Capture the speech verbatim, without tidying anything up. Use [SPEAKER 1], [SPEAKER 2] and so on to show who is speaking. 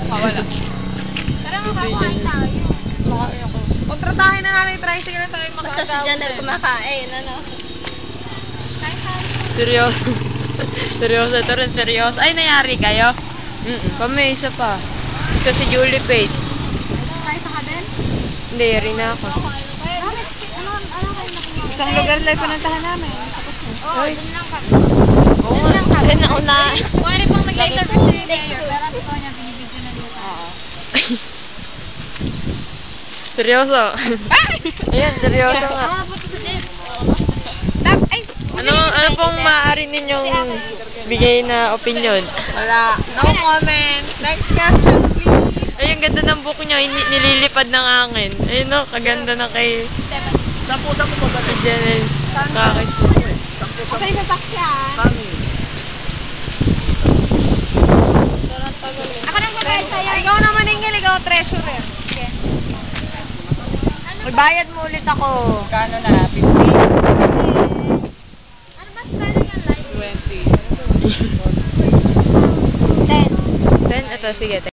[SPEAKER 1] Mawala.
[SPEAKER 2] Tara makakain tayo.
[SPEAKER 1] Makain ako. Kontratahin na natin, tricycle na tayo
[SPEAKER 2] Basta si
[SPEAKER 1] makakawin.
[SPEAKER 2] Janel kumakain, ano? Kain tayo.
[SPEAKER 3] Seryoso. Seryoso, ito rin seryoso. Ay, nangyari kayo? Mm Kami, isa pa. Isa si Julie Pate.
[SPEAKER 2] Kain sa ka din?
[SPEAKER 3] Hindi, rin ako.
[SPEAKER 2] Bakit? Ano, ano kayo nakuha?
[SPEAKER 1] Isang lugar lang pinuntahan namin. Tapos na.
[SPEAKER 2] Oo, dun lang kami.
[SPEAKER 3] Oo,
[SPEAKER 2] Dun lang kami.
[SPEAKER 3] Ayun, nauna.
[SPEAKER 2] Kuwari pang nag-interview si Mayor, pero ang totoo niya, binibidyo na dito. Oo.
[SPEAKER 3] Seryoso. Ayan, seryoso nga.
[SPEAKER 2] Oo, punta sa Jen. Ay!
[SPEAKER 3] Ano, ano pong maaari ninyong bigay na opinion?
[SPEAKER 1] Wala. No comment. Next question, please.
[SPEAKER 3] Ay, ang ganda ng book niya, ini- nililipad ng hangin. Ayun no, kaganda na kay
[SPEAKER 2] Seven.
[SPEAKER 1] Sampu, sampu po ba?
[SPEAKER 3] si Janel. Kakit.
[SPEAKER 1] Sampu,
[SPEAKER 2] Ako yung sasakyan.
[SPEAKER 1] Kami.
[SPEAKER 2] Ako nang babayad sa'yo.
[SPEAKER 1] Ikaw naman ingil, ikaw treasurer.
[SPEAKER 2] Sige.
[SPEAKER 1] Magbayad mo ulit ako. Kano na? fifty?
[SPEAKER 2] Ano ba spelling ng life?
[SPEAKER 1] twenty.
[SPEAKER 2] Ten.
[SPEAKER 3] Then, ito, sige.